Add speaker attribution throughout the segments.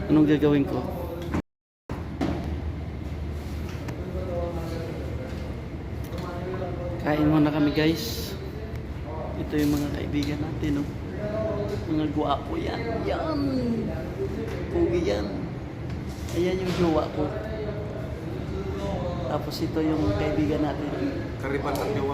Speaker 1: Anong gagawin ko? Kain muna kami guys. Ito yung mga kaibigan natin, no? Mga guwapo yan. Yan! Pugi yan. Ayan yung jowa ko. Tapos ito yung kaibigan natin.
Speaker 2: Kariban ng jowa.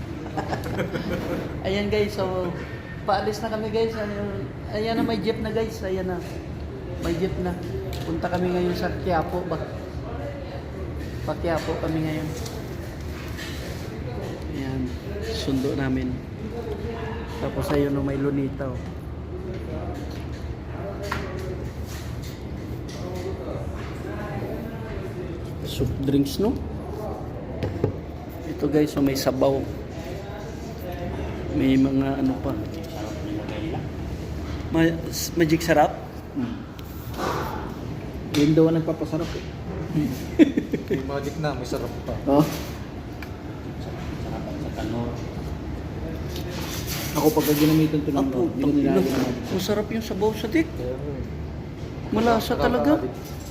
Speaker 1: Ayan guys, so paalis na kami guys. Ayan na, may jeep na guys. Ayan na. May jeep na. Punta kami ngayon sa Quiapo ba? Pa Quiapo kami ngayon. Ayan, sundo namin. Tapos ayun o, may lunita o. Soup drinks, no? Ito guys, so may sabaw. May mga ano pa. Magic sarap?
Speaker 3: Yun daw ang nagpapasarap eh.
Speaker 2: May magic na, may sarap pa.
Speaker 1: Oh.
Speaker 3: Ako pagka ginamitan ito ng
Speaker 1: Apo,
Speaker 3: hindi ko nilalagyan ng magic.
Speaker 1: masarap yung sabaw sa tik. Malasa talaga.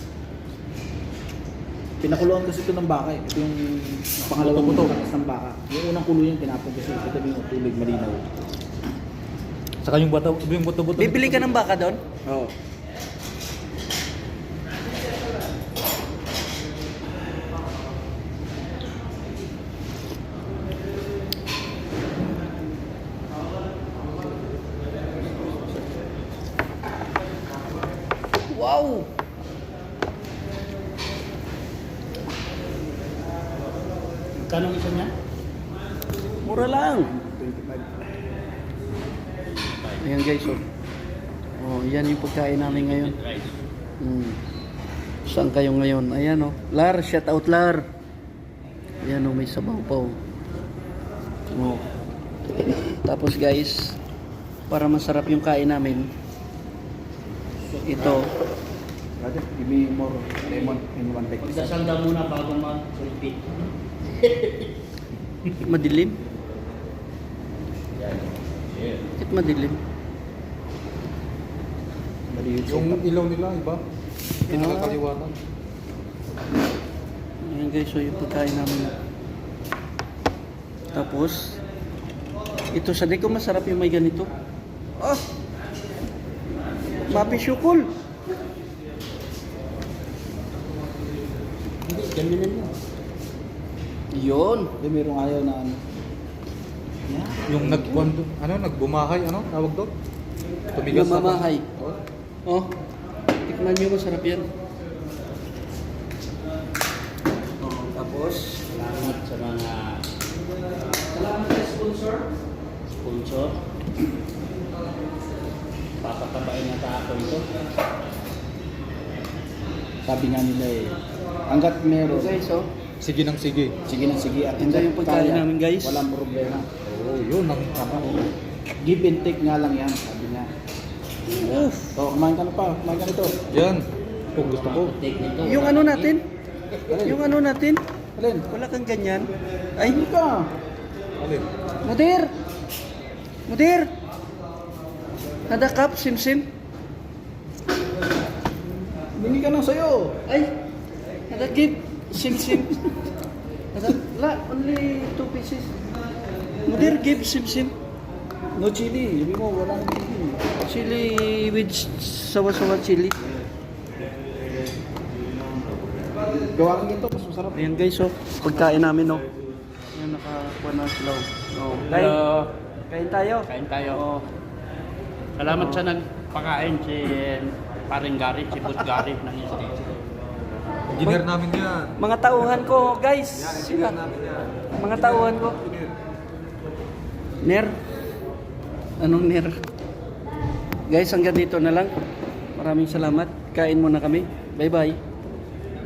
Speaker 3: Pinakuluan kasi ito ng baka eh. Ito yung pangalawang buto ng baka. Yung unang kulo yung tinapon kasi ito yung tubig malinaw.
Speaker 2: Saka yung buto-buto.
Speaker 1: Bibili ka ng baka doon?
Speaker 3: Oo.
Speaker 1: Wow!
Speaker 3: Kanong isa niya?
Speaker 1: Mura lang.
Speaker 3: 25.
Speaker 1: Ayan guys, oh. Oh, yan yung pagkain namin ngayon. Saan kayo ngayon? Ayan oh. Lar, shout out Lar. Ayan oh, may sabaw pa oh. Oh. Tapos guys, para masarap yung kain namin, ito.
Speaker 3: Brother, give me more lemon in one bag.
Speaker 4: Magdasal ka muna bago mag-repeat.
Speaker 1: Madilim? Bakit madilim?
Speaker 2: Yung ilaw nila, iba. Hindi nakakaliwanag.
Speaker 1: Ayan guys, so yung pagkain namin. Tapos, ito sa ko masarap yung may ganito. Ah! Mapi syukol!
Speaker 4: Hindi, ganyan mo.
Speaker 1: Yun!
Speaker 3: Hindi, mayroong ayaw na ano.
Speaker 2: Yung nagbumahay, ano? Tawag doon?
Speaker 1: Yung mamahay.
Speaker 2: Oh.
Speaker 1: Oh, tikman nyo, masarap yan. Oh, tapos,
Speaker 4: Salamat sa mga
Speaker 1: salamat sa sponsor.
Speaker 4: sponsor. Papatabain na ako ito.
Speaker 3: Sabi nga nila eh, hanggat meron,
Speaker 1: Guys, oh.
Speaker 2: Sige nang sige.
Speaker 3: sige na sige. At
Speaker 1: Ito yung pagkain
Speaker 3: kaya,
Speaker 1: namin, guys.
Speaker 3: Walang problema.
Speaker 2: Oh, yun ang
Speaker 3: Give and take nga lang yan, sabi niya.
Speaker 1: Oof.
Speaker 3: So, kumain ka na pa, kumain ka nito.
Speaker 2: Yan. Kung gusto ko.
Speaker 4: Take nito.
Speaker 1: Yung ano natin?
Speaker 3: Alin?
Speaker 1: Yung ano natin?
Speaker 3: Alin?
Speaker 1: Wala kang ganyan. Ay,
Speaker 3: Hindi ka.
Speaker 2: Alin?
Speaker 1: Mudir! Mudir! Nadakap, sim-sim.
Speaker 3: Hindi ka nang sayo.
Speaker 1: Ay, nadakip, sim-sim. La, only 2 pieces. Mudir, give sim-sim.
Speaker 3: No chili. Sabi mo, wala nang chili.
Speaker 1: Chili with sawa-sawa chili.
Speaker 3: Gawa kang ito, mas masarap.
Speaker 1: Ayan guys, oh. Pagkain namin, oh. Ayan, nakakuha na sila, oh. Oh. Kain, kain tayo.
Speaker 4: Kain tayo.
Speaker 1: Oh.
Speaker 4: Salamat sa nagpakain si Paring Gary, si Boss Gary ng stage.
Speaker 2: Engineer namin yan.
Speaker 1: Mga tauhan ko, guys. Sila.
Speaker 2: namin yan.
Speaker 1: Mga tauhan ko. Ner? Anong ner? Guys, hanggang dito na lang. Maraming salamat. Kain muna kami. Bye-bye.